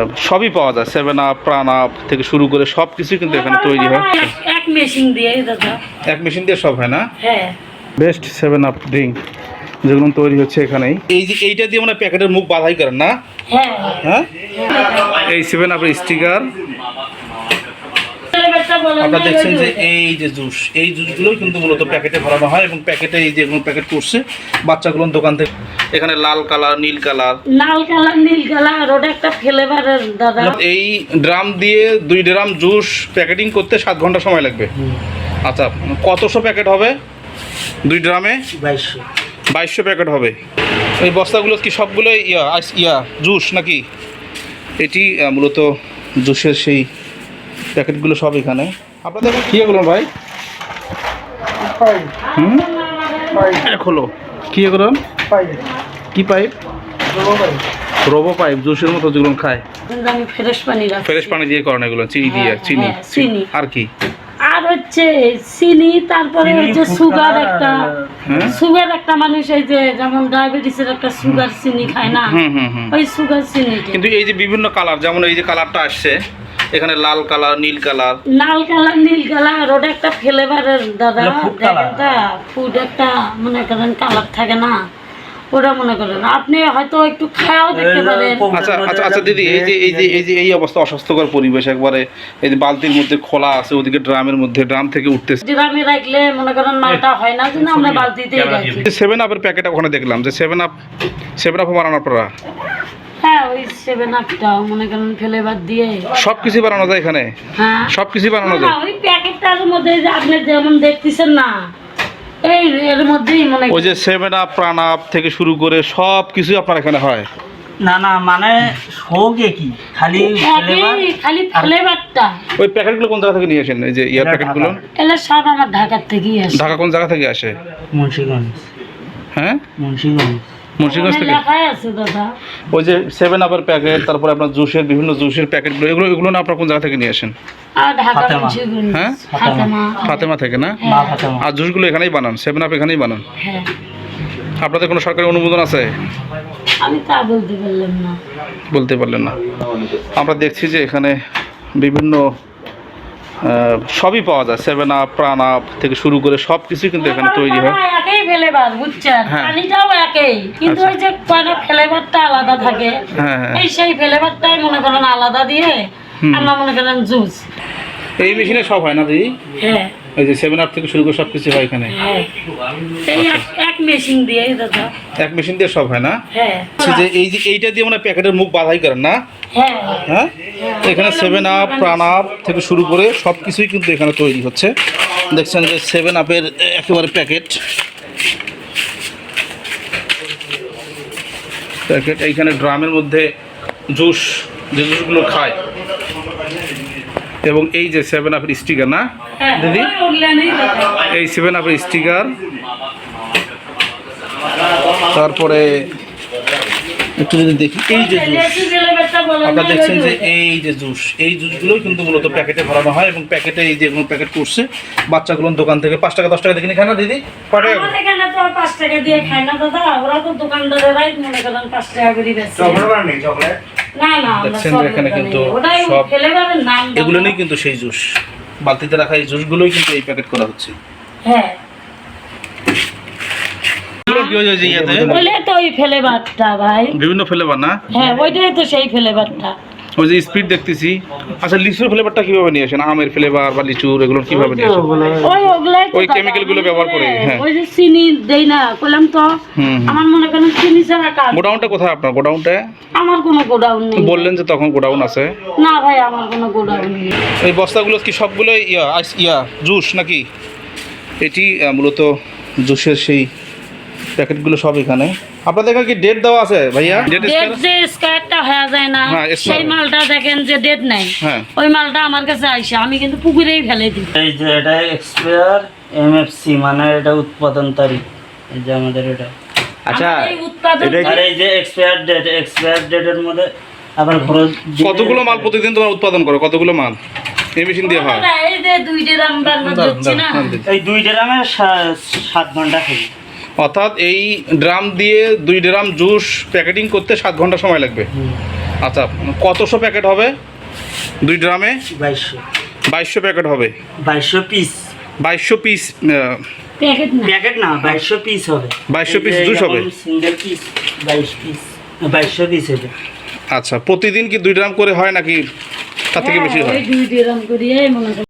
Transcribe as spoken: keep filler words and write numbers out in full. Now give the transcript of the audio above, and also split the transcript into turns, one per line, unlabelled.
সবই পাওয়া যায়, সেভেন আপ, প্রাণ আপ থেকে শুরু করে সব কিছুই কিন্তু এখানে তৈরি হয়।
এক মেশিন দিয়ে দাদা,
এক মেশিন দিয়ে সব হয় না?
হ্যাঁ।
বেস্ট সেভেন আপ ড্রিঙ্ক যেগুলো তৈরি হচ্ছে এখানেই। এই যে এইটা দিয়ে মানে প্যাকেটের মুখ বাধাই করেন না?
হ্যাঁ
হ্যাঁ, এই সেভেন আপের স্টিকার আপনারা দেখছেন যে এই যে জুস, এই জুসগুলো কিন্তু মূলত প্যাকেটে ভরানো হয় এবং প্যাকেটে এই যেগুলো প্যাকেট করছে বাচ্চাগুলো দোকান থেকে। এখানে লাল কালার, নীল কালার,
লাল কালার, নীল কালার, ওটা একটা ফ্লেভারের দাদা।
এই ড্রাম দিয়ে দুই ড্রাম জুস প্যাকেটিং করতে সাত ঘন্টা সময় লাগবে। আচ্ছা, কতশো প্যাকেট হবে দুই ড্রামে?
বাইশশো
বাইশশো প্যাকেট হবে। এই বস্তাগুলো কি সবগুলো ইয়া আইস ইয়া জুস নাকি? এটি আহ, মূলত জুসের সেই প্যাকেটগুলো সব এখানে। আপনাদের কী এগুলো ভাই? হুম, এক হলো কী এগুলো? কি পাইপ? রোবো পাইপ, জুসের মতো যেগুলো খায়।
আমি ফ্রেশ পানি রাখছি।
ফ্রেশ পানি দিয়ে করেন এগুলো, চিনি দিয়ে?
হ্যাঁ,
চিনি,
হ্যাঁ, চিনি।
আর কি?
আর হচ্ছে চিনি, তারপরে হচ্ছে সুগার একটা,
হ্যাঁ?
সুগার একটা মানুষ এই যে যেমন ডায়াবেটিসের একটা সুগার চিনি খায় না,
হুম হুম হুম।
ওই সুগার চিনি।
কিন্তু এই যে বিভিন্ন কালার, যেমন এই যে কালারটা আসছে এখানে লাল কালার, নীল কালার,
লাল কালার, নীল কালার, ওটা একটা ফ্লেভারের দাদা। দেখেনটা ফুড একটা মনে করেন কালার থাকে না, ওটা মনে করেন আপনি হয়তো একটু খায়াও দেখতে পারেন।
আচ্ছা আচ্ছা আচ্ছা দিদি, এই যে এই যে এই যে এই অবস্থা, অস্বাস্থ্যকর পরিবেশ একবারে, এই যে বালতির মধ্যে খোলা আছে, ওদিকে ড্রামের মধ্যে, ড্রাম থেকে উঠতেছে।
ড্রামে রাখলে মনে করেন মালটা হয় না, যেন আমরা বালতিতেই রাখি।
সেভেন আপের প্যাকেট ওখানে দেখলাম যে সেভেন আপ, সেভেন আপ বানানো আপনারা?
হ্যাঁ, ওই সেভেন আপটা মনে করেন ফ্লেভার দিয়ে
সব কিছু বানানো যায় এখানে?
হ্যাঁ,
সব কিছু বানানো
না,
যায়?
ওই প্যাকেটটার মধ্যে যে আপনি যেমন দেখতেছেন না, এই এর মধ্যেই মনে
ওই যে সেভেন আপ, প্রাণ আপ থেকে শুরু করে সব কিছু আপনার এখানে হয়?
না না, মানে শোকে কি খালি ফ্লেভার,
একই খালি ফ্লেভারটা।
ওই প্যাকেটগুলো কোন জায়গা থেকে নিয়ে আসেন? এই যে ইয়ার
এটা
প্যাকেটগুলো
এলা সব আমার ঢাকার থেকেই আসে।
ঢাকা কোন জায়গা থেকে আসে?
মুন্সিগঞ্জ।
হ্যাঁ,
মুন্সিগঞ্জ
মুন্সিগঞ্জ
ওখানে
থেকে।
লেখাই আছে দাদা।
ওই যে সেভেন আপের প্যাকেট, তারপরে আপনার জুসের বিভিন্ন জুসের প্যাকেটগুলো, এগুলো এগুলো না আপনার কোন জায়গা থেকে নিয়ে আসেন?
আর ঢাকা
ফাতেমা।
মুন্সিগঞ্জ।
হ্যাঁ?
ফাতেমা।
ফাতেমা থেকে না?
মা ফাতেমা।
আর জুসগুলো এখানেই বানান, সেভেন আপ এখানেই বানান?
হ্যাঁ,
আপনাদের কোনো সরকারি অনুমোদন আছে?
আমি তা বলতে পারলাম না।
বলতে পারলেন না। আমরা দেখছি যে এখানে বিভিন্ন আহ, সবই পাওয়া যায়, সেভেন আপ, প্রাণ আপ থেকে শুরু করে সব কিছুই কিন্তু এখানে তৈরি হয়।
হ্যাঁ, একই ফ্লেভার বুঝছেন,
হ্যাঁ।
পানিটাও একই, কিন্তু
আচ্ছা।
ওই যে কয়টা ফ্লেভারটা আলাদা থাকে,
হ্যাঁ হ্যাঁ।
এই সেই ফ্লেভারটাই মনে করেন আলাদা দিয়ে
হুম।
আমরা মনে করেন জুস।
এই মেশিনে সব হয় না দিদি?
হ্যাঁ
এই যে সেভেন আপ থেকে শুরু করে সব কিছু হয় এখানে?
হ্যাঁ, এই এক- এক মেশিন দিয়ে দাদা।
এক মেশিন দিয়ে সব হয় না?
হ্যাঁ
আচ্ছা, যে এই যে এইটা দিয়ে মানে প্যাকেটের মুখ বাধাই করেন না?
হ্যাঁ
হ্যাঁ, এখানে সেভেন আপ, প্রাণ আপ থেকে শুরু করে সব কিছুই কিন্তু এখানে তৈরি হচ্ছে। দেখছেন যে সেভেন আপের একেবারে প্যাকেট প্যাকেট এইখানে ড্রামের মধ্যে জুস, যে জুসগুলো খায়, এবং এই যে সেভেন আপের স্টিকার না
হ্যাঁ,
দিদি?
ওই ওগুলানই দাদা।
এই সেভেন আপের স্টিকার, তারপরে একটু যদি দেখি এই যে জুস,
লেচি ফ্লেভারটা বলেন
আপনারা
না,
দেখছেন যে
ওই-
এই যে জুস, এই জুসগুলোই কিন্তু মূলত প্যাকেটে ভরানো হয় এবং প্যাকেটে এই যেগুলো প্যাকেট করছে বাচ্চাগুলো দোকান থেকে পাঁচ টাকা দশ টাকা দেখে খায় না দিদি? কয় টাকা?
আমার এখানে তো আর পাঁচ টাকা দিয়ে খায় না দাদা, ওরা তো দোকানদারেরাই মনে করেন পাঁচ টাকা করে বেচে। না না, আমরা
দেখছেন যে
চকলেট
এখানে
বানাই।
কিন্তু
ওটাই
সব
ফ্লেভারের নাম দাদা।
এগুলো নেই কিন্তু সেই জুস, বালতিতে রাখা এই জুসগুলোই কিন্তু এই প্যাকেট করা হচ্ছে।
হ্যাঁ,
এগুলো কি হয়েছে যে ইয়াতে
বলে তো ওই ফ্লেভারটা ভাই।
বিভিন্ন ফ্লেভার না?
হ্যাঁ, ওইটাই তো সেই ফ্লেভারটা।
ওই যে স্পিড দেখতেছি। আচ্ছা, লিচুর ফ্লেভারটা কিভাবে নিয়ে আসেন? আমের ফ্লেভার বা লিচুর এগুলো কিভাবে নিয়ে আসেন?
ওই ওগুলাই তো
ওই
দাদা,
chemical গুলো
আমি
ব্যবহার
বলে,
করে, হ্যাঁ।
ওই যে চিনি দেই না কইলাম তো,
হুম হুম।
আমার মনে করেন চিনি ছাড়া কাজ।
গোডাউনটা কোথায় আপনার? গোডাউনটা
আমার কোনো গোডাউন নেই।
বললেন যে তখন গোডাউন আছে।
না ভাই, আমার কোনো গোডাউন নেই।
এই বস্তাগুলো কি সবগুলো ইয়া আইস ইয়া জুস নাকি? এটি আহ, মূলত জুসের সেই প্যাকেটগুলো সব এখানে। আপনাদের এখানে কি ডেট দেওয়া আছে ভাইয়া? ডেট
ডেট যে স্কয়ারটা হয়ে যায় না,
হ্যাঁ,
সেই
expired।
মালটা দেখেন যে ডেট নাই,
হ্যাঁ।
ওই মালটা আমার কাছে আইসে আমি কিন্তু পুকুরেই ফেলে দিই।
এই যে এটা এক্সপায়ার এমএফসি, মানে এটা উৎপাদন তারিখ, এই যে আমাদের এটা।
আচ্ছা,
আমার এই উৎপাদন
এটা-
আর এই যে এক্সপায়ার ডেট, এক্সপায়ার ডেটের মধ্যে আবার খরচ দিলে-
কতগুলো মাল প্রতিদিন তোমরা উৎপাদন করো? কতগুলো মাল এই মেশিন দিয়ে হয়?
এই যে দুই ড্রাম বানানো
দাঁড়ান,
হচ্ছে না,
দাঁড়ান, দিদি।
এই দুই ড্রামে সাত ঘন্টা খাই।
অর্থাৎ এই ড্রাম দিয়ে দুই ড্রাম জুস প্যাকেটিং করতে সাত ঘন্টা সময় লাগবে। আচ্ছা, কতশো প্যাকেট হবে দুই ড্রামে?
বাইশশো
বাইশশো প্যাকেট হবে।
বাইশশো পিস
বাইশশো পিস
প্যাকেট না
প্যাকেট না, বাইশশো পিস হবে।
বাইশশো piece juice হবে?
সিঙ্গেল পিস বাইশ পিস, বাইশশো পিস হবে।
আচ্ছা, প্রতিদিন কি দুই ড্রাম করে হয় নাকি তার থেকে বেশি
হ্যাঁ,
হয়?
ওই দুই ড্রাম করিয়ে মনে করেন